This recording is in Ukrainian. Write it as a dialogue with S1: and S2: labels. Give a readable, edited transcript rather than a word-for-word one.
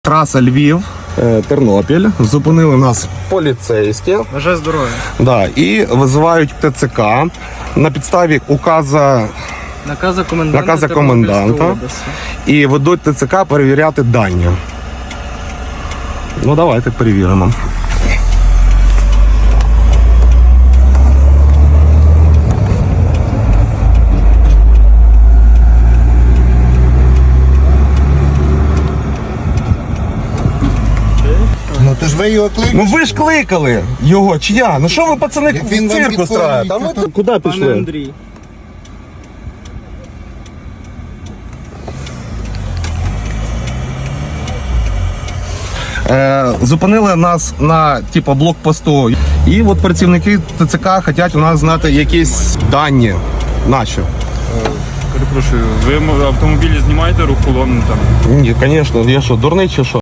S1: Траса Львів, Тернопіль. Зупинили нас поліцейські.
S2: Бажаю здоров'я.
S1: Да, і визивають ТЦК на підставі
S2: Наказа
S1: наказа коменданта. І ведуть ТЦК перевіряти дані. Ну, давайте перевіримо.
S3: Ну то ж ви його кликали.
S1: Ну ви ж кликали його, чи я? Ну що ви, пацани,
S3: Як він вам
S1: цирк
S3: підходить,
S1: устраєте? А ми
S3: то-
S1: тут куди
S2: Пане
S1: пішли?
S2: Андрій.
S1: Зупинили нас на блокпосту. І от працівники ТЦК хочуть у нас знати якісь дані наші.
S4: Перепрошую, ви автомобілі знімаєте рух колонни там?
S1: Ні, звісно, я що, дурний чи що?